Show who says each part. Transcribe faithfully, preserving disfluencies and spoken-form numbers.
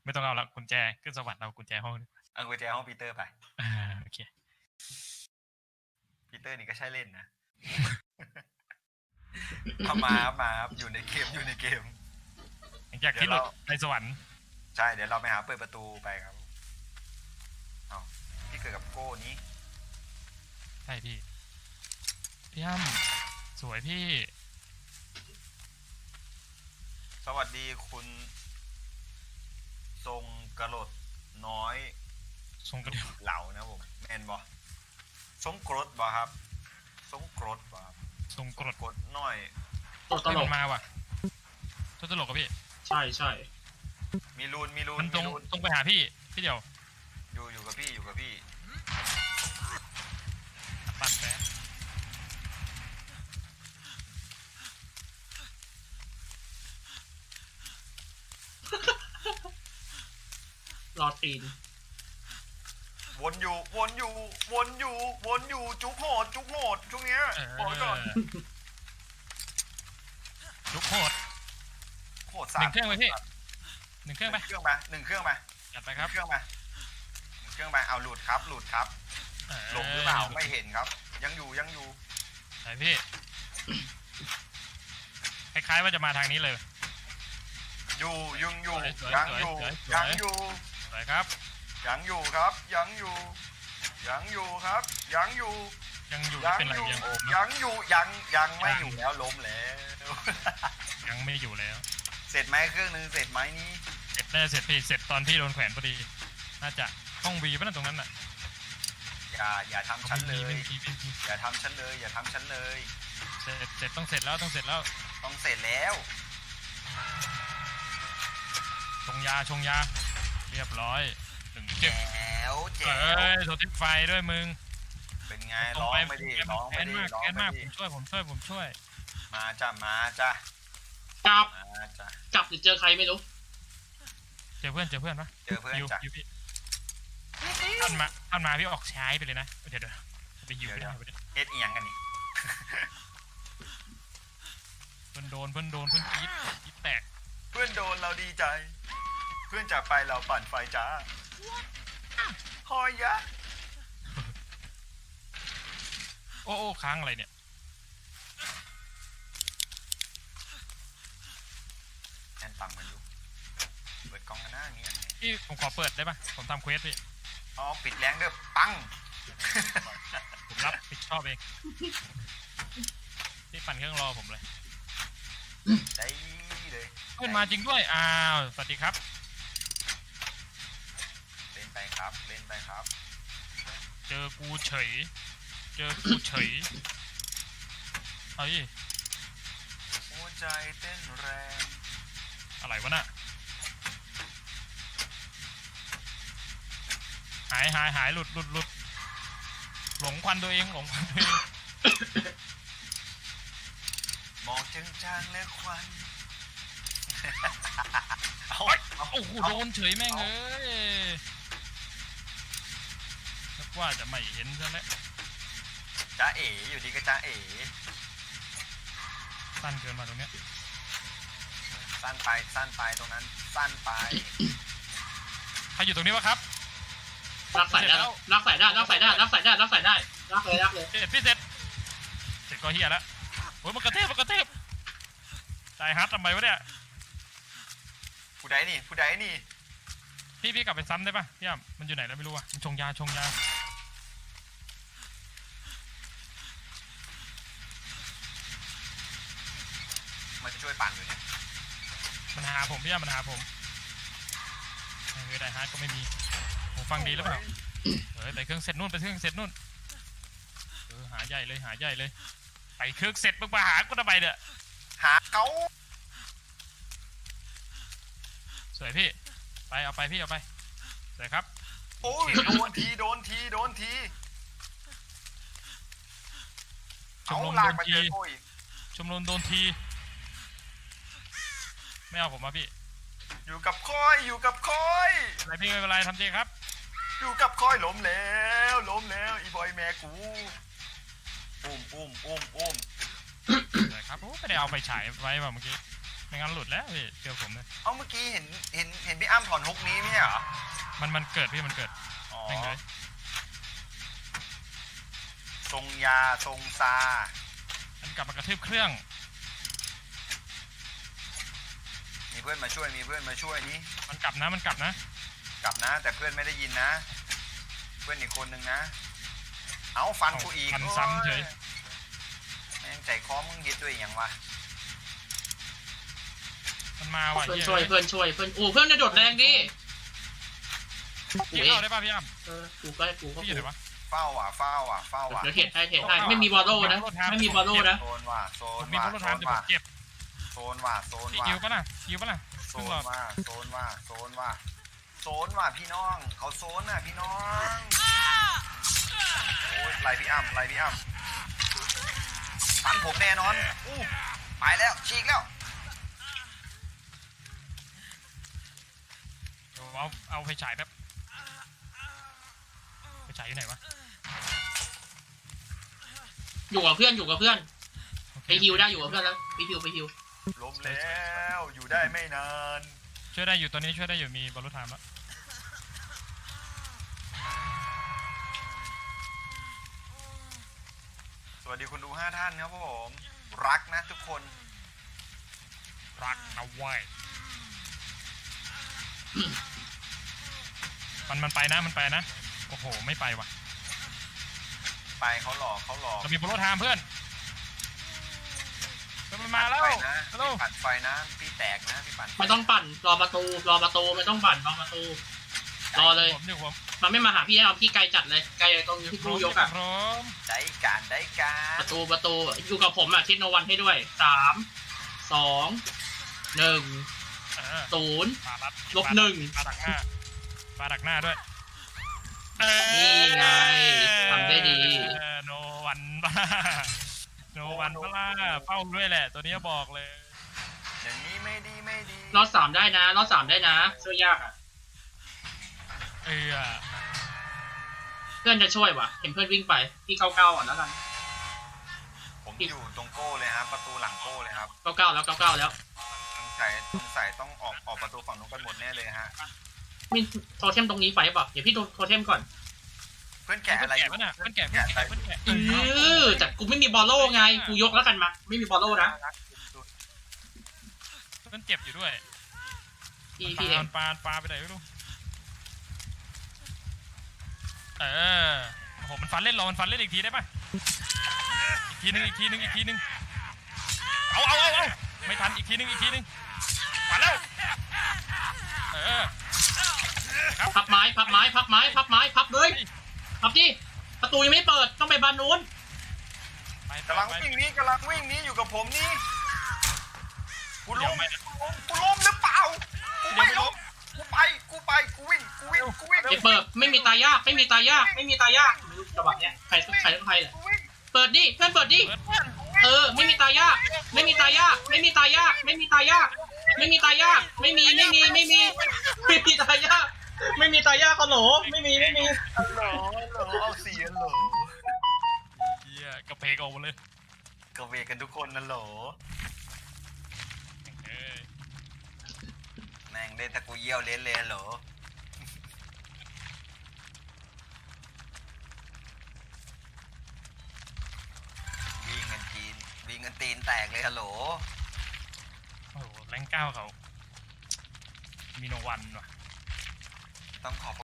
Speaker 1: ไม่ต้องเอาละกุญแจขึ้นสวรรค์เอากุญแจห้อง
Speaker 2: เอากุญแจห้องปีเตอร์ไป
Speaker 1: อ่าโอเค
Speaker 2: ปีเตอร์นี่ก็ใช่เล่นนะเอามาครับมาครับอยู่ในเกมอยู่ในเกม
Speaker 1: อยากที่หลุดในสวรรค์
Speaker 2: ใช่เดี๋ยวเราไปหาเปิดประตูไปครับเอาพี่เกิดกับโก้นี้
Speaker 1: ใช่พี่พี่ย่ำสวยพี่
Speaker 2: สวัสดีคุณทรงกระโดดน้อย
Speaker 1: ทรงกระเดียว
Speaker 2: เหล่านะผมแมนบอทรงกรดบอครับทรงกรดบอครับ
Speaker 1: ทรงกรด
Speaker 2: กรดน้อย
Speaker 1: ตัวตลกมาว่ะตัวตลกกับพี่
Speaker 3: ใช่ใช่
Speaker 2: มีรูนมีรูน
Speaker 1: มันตรงตรงไปหาพี่พี่เดียว
Speaker 2: อยู่อยู่กับพี่อยู่กับพี่
Speaker 1: ปั่นแป๊บ
Speaker 3: รอตีน
Speaker 2: วนอยู่วนอยู่วนอยู่วนอยู่จุกโหดจุกโหดช่วงเนี้ยบอกก่อน
Speaker 1: จุกโหด
Speaker 2: โหดสาม
Speaker 1: หนึ่งเครื่องไปพี่หนึ่งเครื่องไป
Speaker 2: เครื่องมาหนึ่งเครื่องมา
Speaker 1: จัดไปครับ
Speaker 2: เครื่องมาหนึ่งเครื่องมาเอาหลุดครับหลุดครับหลงหรือเปล่าไม่เห็นครับยังอยู่ยังอยู่
Speaker 1: ไหนพี่คล้ายๆว่าจะมาทางนี้เลย
Speaker 2: อยู่ยังอยู่ยังอยู่ยังอยู่
Speaker 1: ไหนครับ
Speaker 2: ยังอยู่ครับยังอยู่ยังอยู่ครับยังอยู่
Speaker 1: ยังอยู่
Speaker 2: ยัง
Speaker 1: เป็นไร
Speaker 2: อยู่
Speaker 1: ยังโอม
Speaker 2: ยังอยู่ยังยังไม่อยู่แล้วล้มแล้ว
Speaker 1: ยังไม่อยู่แล้ว
Speaker 2: เสร็จไหมเครื่องนึงเสร็จไหมนี่
Speaker 1: เสร็จแน่เสร็จพี่เสร็จตอนพี่โดนแขวนพอดีน่าจะห้องวีป่ะนั่นตรงนั้นน่ะ
Speaker 2: อย่าอย่าทำฉันเลยอย่าทำฉันเลยอย่าทำฉันเลย
Speaker 1: เสร็จเสร็จต้องเสร็จแล้วต้องเสร็จแล้ว
Speaker 2: ต้องเสร็จแล้ว
Speaker 1: ชงยาชงยาเรียบร้อยถึง
Speaker 2: แจ๋วแจ๋ว
Speaker 1: เอ้ยโดนทิศไฟด้วยมึง
Speaker 2: เป็นไงร้องไม่ดีร้องไม่ดีร้องไม่ดี
Speaker 1: ผมช่วยผมช่วยผมช่วย
Speaker 2: มาจ้ะมาจ้ะ
Speaker 3: จับ
Speaker 2: มาจ้ะ
Speaker 3: จับหรือเจอใครไม่รู้
Speaker 1: เจอเพื่อนเจอเพื่อนปะ
Speaker 2: เจอเพื่อนจ้ะ
Speaker 1: ท่านมาท่านมาพี่ออกใช้ไปเลยนะเดี๋ยวเดี๋ยวไปยิวไป
Speaker 2: เอ็ดเอียงกันนี่
Speaker 1: เพื่อนโดนเพื่อนโดนเพื่อนกีดกีดแตก
Speaker 2: เพื่อนโดนเราดีใจเพื่อนจากไปเราปั่นไฟจ้าหอยยะ
Speaker 1: โอ้โอ้ค้างอะไรเนี่ย
Speaker 2: แอนปังมันดูเปิดกล้องกันหน้าอย่างนี้
Speaker 1: พี่ผมขอเปิดได้ปะผมทำเควสพี่
Speaker 2: อ๋อปิดแรงเด้อปัง
Speaker 1: ผมรับผิดชอบเองพี่ปั่นเครื่องรอผมเลย
Speaker 2: ได้เลย
Speaker 1: เพื่อนมาจริงด้วยอ้าวสวัสดีครับ
Speaker 2: เล่นไปครับเล่นไปครับ
Speaker 1: เจอกูเฉยเจอกูเฉยเฮ้ย
Speaker 2: หัวใจเต้นแรง
Speaker 1: อะไรวะน่ะหายหายหายหลุดหลุดหลุดหลงควันตัวเองหลงควันตัวเอง
Speaker 2: มองจางจางและควัน
Speaker 1: โอ้โหโดนเฉยแม่งเอ้ยนึกว่าจะไม่เห็นซะแล้ว
Speaker 2: จ้าเอ๋อยู่ดีก็จ้าเอ๋
Speaker 1: สั้นเกินมาตรงเนี้ย
Speaker 2: สั้นไปสั้นไปตรงนั้นสั้นไป
Speaker 1: ใครอยู่ตรงนี้วะครับ
Speaker 3: รักใส่ได้รักใส่ได้รักใส่ได้รักใส่ได้รักใส่ได้รักเลยรักเลย
Speaker 1: เสร็จพี่เสร็จเสร็จก็เฮียแล้วโอ้ยมันกระเทบมันกระเทบตายฮัททำไมวะเนี่ย
Speaker 2: ผู้ใดนี่ผู้ใดนี่
Speaker 1: พี่พี่กลับไปซ้ำได้ปะพี่อ่ะมันอยู่ไหนแล้วไม่รู้อ่ะมันชงยาชงยา
Speaker 2: มันจะช่วยปั่นอยู่เนี่ย
Speaker 1: มันหาผมพี่อ่ะมันหาผมเฮ้ยได้ฮาร์ดก็ไม่มีผมฟังดีหรือเปล่าเฮ้ยไปเครื่องเสร็จนู่นไปเครื่องเสร็จนู่นเออหาใหญ่เลยหาใหญ่เลยไปเครื่องเสร็จมึงมาหากูทำไมเนี่ย
Speaker 2: หาเขา
Speaker 1: สวยพี่ไปเอาไปพี่เอาไปสวยครับ
Speaker 2: โอ้ยโดนทีโดนทีโดนที
Speaker 1: ชมรมโดนทีชมรมโดนทีไม่เอาผมมาพี่
Speaker 2: อยู่กับคอยอยู่กับคอย
Speaker 1: อะไรพี่ไม่เป็นไรทำจริงครับ
Speaker 2: อยู่กับคอยล้มแล้วล้มแล้วอีบอยแม่กูอุ้มอุ้มอุ้มอุ้ม
Speaker 1: เลยครับโอ้ไม่ได้เอาไปฉายไว้ป่ะเมื่อกี้ไม่งั้นหลุดแล้วพี่เชื่อผมเลย
Speaker 2: เอ้าเมื่อกี้เห็นเห็นเห็นพี่อ้ำถอนฮุกนี้ไม่ใช่เหรอ
Speaker 1: มันมันเกิดพี่มันเกิด
Speaker 2: อ๋อ
Speaker 1: แม่งเลย
Speaker 2: ทรงยาทรงซา
Speaker 1: มันกลับมากระทืบเครื่อง
Speaker 2: มีเพื่อนมาช่วยมีเพื่อนมาช่วยนี่
Speaker 1: มันกลับนะมันกลับนะ
Speaker 2: กลับนะ แต่เพื่อนไม่ได้ยินนะ เพื่อนอีกคนนึงนะ เอาฟันกูอีก
Speaker 1: ฟันซ้ำเฉย
Speaker 2: แม่งใจคอมึงเฮ็ดด้วยอย่างวะ
Speaker 1: มันมาว่ะ
Speaker 3: เพื่อน
Speaker 1: หี้
Speaker 3: ช่วยเพื่อนช่วยเพื่อนโอ้เพื่อนจะโดดแรงดิ
Speaker 1: พี่เข้าได้ป่ะพี่อ้ำ
Speaker 3: เออกูก็กูก็
Speaker 1: พี่อยู่ไหนวะ
Speaker 2: เฝ้าว่ะเฝ้าว่ะเฝ้าว่ะ
Speaker 3: เดี๋ยวเทรดให้เทรดให้ไม่มีบอลโล่นะไม่มีบอลโล่นะ
Speaker 2: โซนว่ะโซ
Speaker 1: ผ
Speaker 2: น
Speaker 1: มมี
Speaker 2: ว่ะ
Speaker 1: พล
Speaker 2: โซ
Speaker 1: ทาน
Speaker 2: น
Speaker 1: แต่ผ
Speaker 2: ว่ะ
Speaker 1: มเจ็บ
Speaker 2: โซนว่ะโซน
Speaker 1: พี่
Speaker 2: ว่ะ
Speaker 1: ยิวปะน่ะยิวปะน่ะ
Speaker 2: โซนว่ะโซนว่ะโซนว่ะโซนว่ะพี่น้องเขาโซนน่ะพี่น้องโอ้ยไล่พี่อ้ำไล่พี่อ้ำฟันผมแน่นอนอู้ไปแล้วฉีกแล้ว
Speaker 1: เดี๋ยวเอาเอาไฟฉายแป๊บไฟฉายอยู่ไหนวะ
Speaker 3: อยู่กับเพื่อนอยู่กับเพื่อนไปฮิวได้อยู่กับเพื่อนแล้วไปฮิวไปฮิว
Speaker 2: ล้มแล้วอยู่ได้ไม่นาน
Speaker 1: ช่วยได้อยู่ตอนนี้ช่วยได้อยู่มีบอลลูนไทม์แล้ว
Speaker 2: สวัสดีคุณดูห้าท่านครับผมรักนะทุกคน
Speaker 1: รักนะเว้ยมันมันไปนะมันไปนะโอ้โหไม่ไปว่ะ
Speaker 2: ไปเขาหลอกเขาหลอก
Speaker 1: เรามีบอลลูนไทม์เพื่อนเพื่อนมันมาแล้ว
Speaker 2: ไปนะ
Speaker 1: ฮัลโหล
Speaker 2: พี่ปั่นไฟนะพี่แตกนะพี่ปั่น
Speaker 3: ไม่ต้องปั่นรอประตูรอประตูไม่ต้องปั่นรอประตูรอเลย
Speaker 1: ผมอยู่ผม
Speaker 3: มันไม่มาหาพี่แน่นอนพี่ไกลจัดเลยไกลตรงที่กูยกอะ
Speaker 1: พร้อม
Speaker 2: ได้การได้การ
Speaker 3: ประตูประตูอยู่กับผมอะทิศโนวันให้ด้วยสามสองหนึ่ง
Speaker 1: เออ
Speaker 3: ศูนย์
Speaker 1: ปารัด
Speaker 3: ลบหนึ่ง
Speaker 1: ปาดักหน้าปาดักหน้าด้วยเอ้ย
Speaker 3: นี่ไงทำได้ดี
Speaker 1: เออโนวันบ้าโนวันบ้าเป้าด้วยแหละ ตัวนี้บอกเลย
Speaker 2: อย่างนี้ไม่ดีไม่ดี
Speaker 3: รอดสามได้นะรอดสามได้นะช่วยยากอะ
Speaker 1: เออ
Speaker 3: เพื่อนจะช่วยว่ะเห็นเพื่อนวิ่งไปพี่เก้าเก้าอ่ะแล้วกัน
Speaker 2: ผมอยู่ตรงโก้เลยครับประตูหลังโก้เลยครับ
Speaker 3: เก้าเก้าแล้วเก้าเก้าแล้ว
Speaker 2: สงสัยสงสัยต้องออกออกประตูฝั่งนู้นกันหมดแน่เลยฮะ
Speaker 3: มีโทเทมตรงนี้ไฟป่ะเดี๋ยวพี่ดูโทเทมก่อน
Speaker 2: เพื่อนแกะอะไรอ
Speaker 1: แกะ
Speaker 2: ยู่
Speaker 1: ปะน่ะเพื่อนแกะเพื่อนแกะเพื่อนแกะ
Speaker 3: เออแต่กูไม่มีบอลโล่ไงกูยกแล้วกันมาไม่มีบอลโล่นะ
Speaker 1: เพื่อนเจ็บอยู่ด้วย
Speaker 3: พี่
Speaker 1: ป
Speaker 3: พี่เอง
Speaker 1: าปาปาไปไหนไม่รู้เออโอ้โหมันฟันเล่นรอมันฟันเล่นอีกทีได้ปะอีกทีนึงอีกทีนึงอีกทีนึงเอาเอาเอาเอาไม่ทันอีกทีนึงอีกทีนึงมาแล้วเออครับ
Speaker 3: พับไม้พับไม้พับไม้พับไม้พับเลยพับดิประตูยังไม่เปิดต้องไปบานนู้น
Speaker 1: ไป
Speaker 2: กำลัง
Speaker 1: ไป
Speaker 2: วิ่งนี้กำลังวิ่งนี้อยู่กับผมนี่กู
Speaker 1: เดี๋
Speaker 2: ล้
Speaker 1: ยว
Speaker 2: ม
Speaker 1: ไม่
Speaker 2: กูล้มกูล้มหรือเปล่ากูไม่ล้มกูไปกูไปกูวิ่งกูวิ่งกูวิ่ง
Speaker 3: เดี๋ยวเปิดไม่มีตายากไม่มีตายากไม่มีตายากจังหวะเนี้ยใครใครต้องใครแหละ
Speaker 2: กูวิ่ง
Speaker 3: เปิดดิเพื่อนเปิดดิ
Speaker 1: เปิดเพื่อน
Speaker 3: เออไม่มีตายากไม่มีตายากไม่มีตายากไม่มีตายากไม่มีตายากไม่มีไม่มีไม่มีไม่มีตายากไม่มีตายากฮัลโหลไม่มีไม่มี
Speaker 2: ฮัลโหลฮัลโหลเอาเสียงโหล
Speaker 1: เฮียกระเพกออกหมดเลย
Speaker 2: กระเวกกันทุกคนนะโหล
Speaker 1: เอ้ย
Speaker 2: แม่งเล่นตะกูเยี่ยวเล่นเลยฮัลโหลวิ่งกันจีนวิ่งกันตีนแตกเลยฮัลโหล
Speaker 1: โอ้โหแรงเก้าเขามีโนวันว่ะ
Speaker 2: ต้องขอบ